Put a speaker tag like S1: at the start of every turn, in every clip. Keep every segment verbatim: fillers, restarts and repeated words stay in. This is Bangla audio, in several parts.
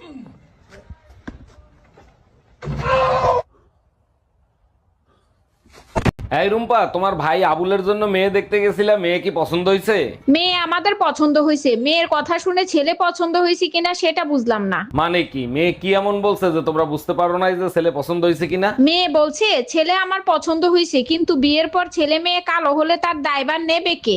S1: এই রুম্পা, তোমার ভাই আবুলের জন্য মেয়ে দেখতে গেছিলা, মেয়ে কি পছন্দ হয়েছে?
S2: মেয়ে আমাদের পছন্দ হয়েছে, মেয়ের কথা শুনে ছেলে পছন্দ হয়েছে কিনা সেটা বুঝলাম না।
S1: মানে কি, মেয়ে কি এমন বলছে যে তোমরা বুঝতে পারো না যে ছেলে পছন্দ হয়েছে কিনা?
S2: মেয়ে বলছে ছেলে আমার পছন্দ হয়েছে, কিন্তু বিয়ের পর ছেলে মেয়ে কালো হলে তার দায়ভার নেবে কে?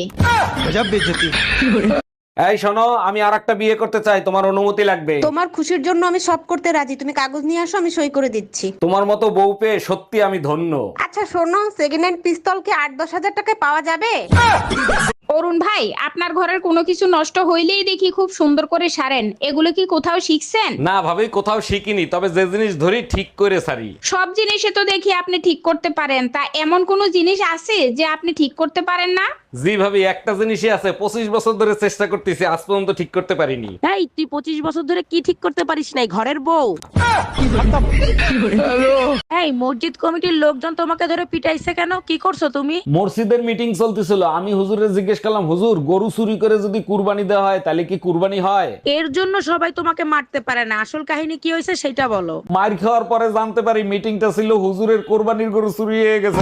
S1: এই শোনো, আমি আর একটা বিয়ে করতে চাই, তোমার অনুমতি লাগবে।
S3: তোমার খুশির জন্য আমি সব করতে রাজি, তুমি কাগজ নিয়ে আসো, আমি সই করে দিচ্ছি।
S1: তোমার মতো বউ পেয়ে সত্যি আমি ধন্য।
S3: আচ্ছা শোনো, সেকেন্ড হ্যান্ড পিস্তল কি আট দশ হাজার টাকায় পাওয়া যাবে?
S2: অরুণ ভাই, আপনার ঘরের কোনো কিছু নষ্ট হইলেই দেখি খুব সুন্দর করে সারেন, এগুলো কি কোথাও শিখছেন?
S1: না ভাবি, কোথাও শিখিনি, তবে যে জিনিস ধরি ঠিক করে সারি।
S2: সব জিনিসে তো দেখি আপনি ঠিক করতে পারেন, তা এমন কোন জিনিস আছে যে আপনি ঠিক করতে পারেন না?
S1: জি ভাবি, একটা জিনিসই আছে, পঁচিশ বছর ধরে চেষ্টা করতেছি, আজ পর্যন্ত ঠিক করতে পারিনি।
S4: এই তুই পঁচিশ বছর ধরে কি ঠিক করতে পারিস নাই, ঘরের বউ? এই মসজিদ কমিটির লোকজন তোমাকে ধরে পিটাইছে কেন, কি করছো তুমি?
S1: মসজিদের মিটিং চলতেছিল, আমি হুজুরে জিজ্ঞেস করলাম, হুজুর গরু চুরি করে যদি কুরবানি দেওয়া হয় তাহলে কি কুরবানি হয়?
S4: এর জন্য সবাই তোমাকে মারতে পারে না, আসল কাহিনী কি হয়েছে সেটা বলো।
S1: মার খাওয়ার পরে জানতে পারি মিটিংটা ছিল হুজুরের কোরবানির গরু চুরি হয়ে গেছে।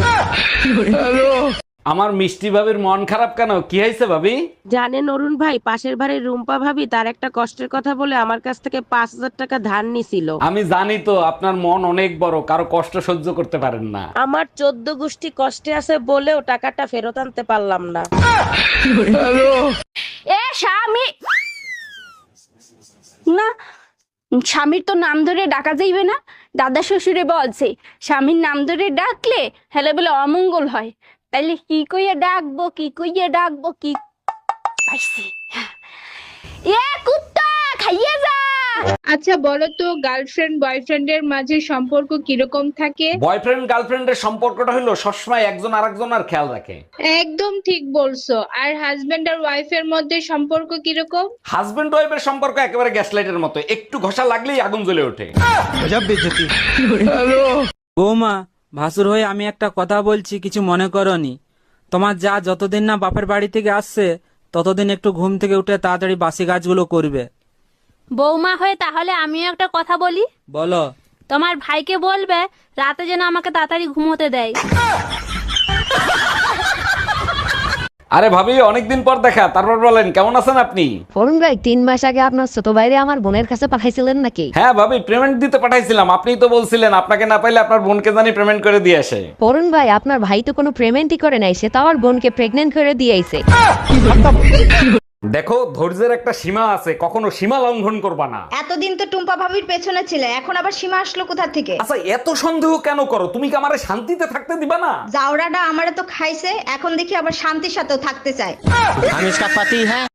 S1: আমার মিষ্টি ভাবির মন খারাপ কেন, কি হয়েছে ভাবি?
S4: জানেন অরুণ ভাই, পাশের বাড়ির রুম্পা ভাবি তার একটা কষ্টের কথা বলে আমার কাছ থেকে পাঁচ হাজার টাকা ধার নিছিল।
S1: আমি জানি তো, আপনার মন অনেক বড়, কারো কষ্ট সহ্য করতে পারেন না।
S4: আমার চোদ্দ গোষ্ঠী কষ্টে আছে বলেও টাকাটা ফেরত আনতে পারলাম না।
S5: এ স্বামী না, স্বামীর তো নাম ধরে ডাকা যাইবে না। দাদা শ্বশুরে বলছে স্বামীর নাম ধরে ডাকলে হেলে বলে অমঙ্গল হয়। তাইলে কি কইয়া ডাকবো, কি কইয়া ডাকবো, কি পাইছি। এ কুত্তা খাইয়ে যা।
S2: আচ্ছা বলো তো, গার্লফ্রেন্ড বয়ফ্রেন্ডের মাঝে সম্পর্ক কিরকম থাকে?
S1: বয়ফ্রেন্ড গার্লফ্রেন্ডের সম্পর্কটা হলো সবসময় একজন আরেকজনের খেয়াল রাখে।
S2: একদম ঠিক বলছো। আর হাজবেন্ড আর ওয়াইফের মধ্যে সম্পর্ক কিরকম?
S1: হাজবেন্ড ওয়াইফের সম্পর্ক একেবারে গ্যাস লাইটের মতো, একটু ঘষা লাগলেই আগুন জ্বলে ওঠে।
S6: বৌমা, ভাসুর হয়ে আমি একটা কথা বলছি, কিছু মনে করনি। তোমার যা যতদিন না বাপের বাড়ি থেকে আসছে ততদিন একটু ঘুম থেকে উঠে তাড়াতাড়ি বাসি কাজগুলো করবে।
S5: বৌমা হয়ে তাহলে আমিও একটা কথা বলি।
S6: বলো।
S5: তোমার ভাইকে বলবে রাতে যেন আমাকে তাড়াতাড়ি ঘুমোতে দেয়।
S1: আরে ভাবি, অনেকদিন পর দেখা, তারপর বলেন কেমন আছেন আপনি?
S7: অরুণ ভাই, তিন মাস আগে আপনার ছোট ভাইরে আমার বোনের কাছে পাঠাইছিলেন নাকি?
S1: হ্যাঁ ভাবি, পেমেন্ট দিতে পাঠাইছিলাম, আপনিই তো বলছিলেন আপনাকে না পাইলে আপনার বোনকে জানি পেমেন্ট করে দিয়ে আসে।
S7: অরুণ ভাই, আপনার ভাই তো কোনো পেমেন্টই করে নাই, সে তো আমার বোনকে প্রেগন্যান্ট করে দিয়েছে।
S1: দেখো, ধৈর্যের একটা সীমা আছে, কখনো সীমা লঙ্ঘন করবা না।
S8: এতদিন তো টুম্পা ভাবির পেছনে ছিলে, এখন আবার সীমা আসলো কোথা থেকে?
S1: আচ্ছা, এত সন্দেহ কেন করো? তুমি কি আমারে শান্তিতে থাকতে দিবা না?
S8: জাউরাটা আমারে তো খাইছে, এখন দেখি আবার শান্তির সাথেও থাকতে চায়।
S6: আমি ইসকা পাতি হ্যাঁ।